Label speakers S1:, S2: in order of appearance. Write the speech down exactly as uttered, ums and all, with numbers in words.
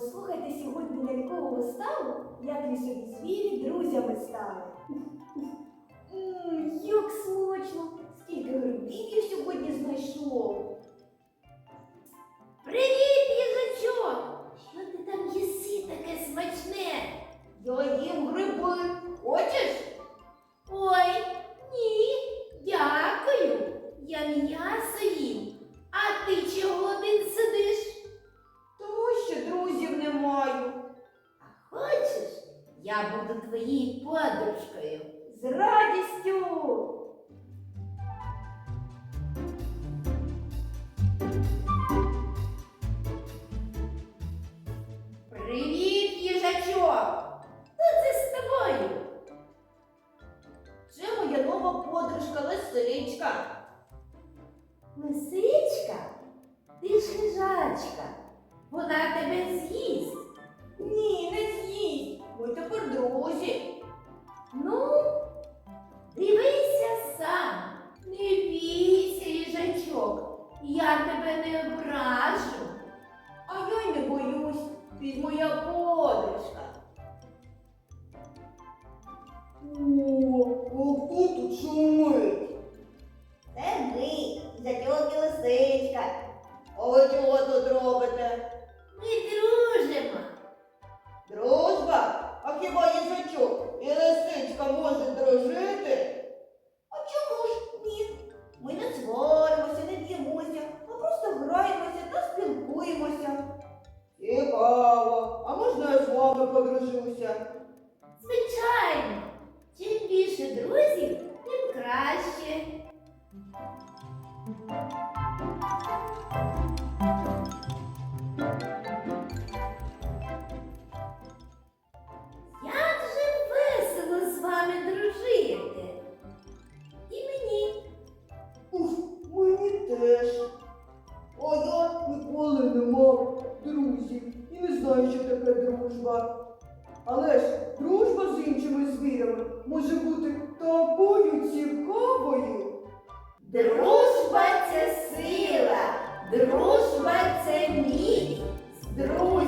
S1: Послухайте сьогодні лялькову виставу, як лісові звірі друзями стали. Ммм, як смачно! Скільки грибів я сьогодні знайшов!
S2: Привіт, їжачок! Що ти там їси таке смачне?
S1: Я їм гриби. Хочеш?
S2: Ой, ні, дякую. Я м'ясо їм. А ти чого один сидиш?
S1: Тому що друзів не маю.
S2: А хочеш, я буду твоєю подружкою?
S1: З радістю!
S2: Привіт, їжачок! Хто це з тобою?
S1: Це моя нова подружка Лисичка.
S2: Лисичка? Ти ж хижачка. Вона тебе з'їсть.
S1: Ні, не з'їсть. Ми тепер друзі.
S2: Ну, дивися сам. Не бійся, їжачок. Я тебе не ображу.
S1: А я й не боюсь. Ти ж моя подружка. О, а хто тут шумить? Це ми, їжачок і Лисичка. А ви чого тут робите?
S2: Ми дружимо.
S1: Дружба? А хіба їжачок і Лисичка можуть дружити? А чому ж ні? Ми не сваримося, не б'ємося, а просто граємося та спілкуємося. Цікаво. А можна я з вами подружуся?
S2: Звичайно. Чим більше друзів, тим краще. Як же весело з вами дружити. І мені.
S1: Ух, мені теж. А я ніколи не мав друзів і не знаю, що таке дружба. Але ж дружба з іншими звірями може бути такою цікавою.
S2: Дружба – це сила, дружба – це міць. З друзями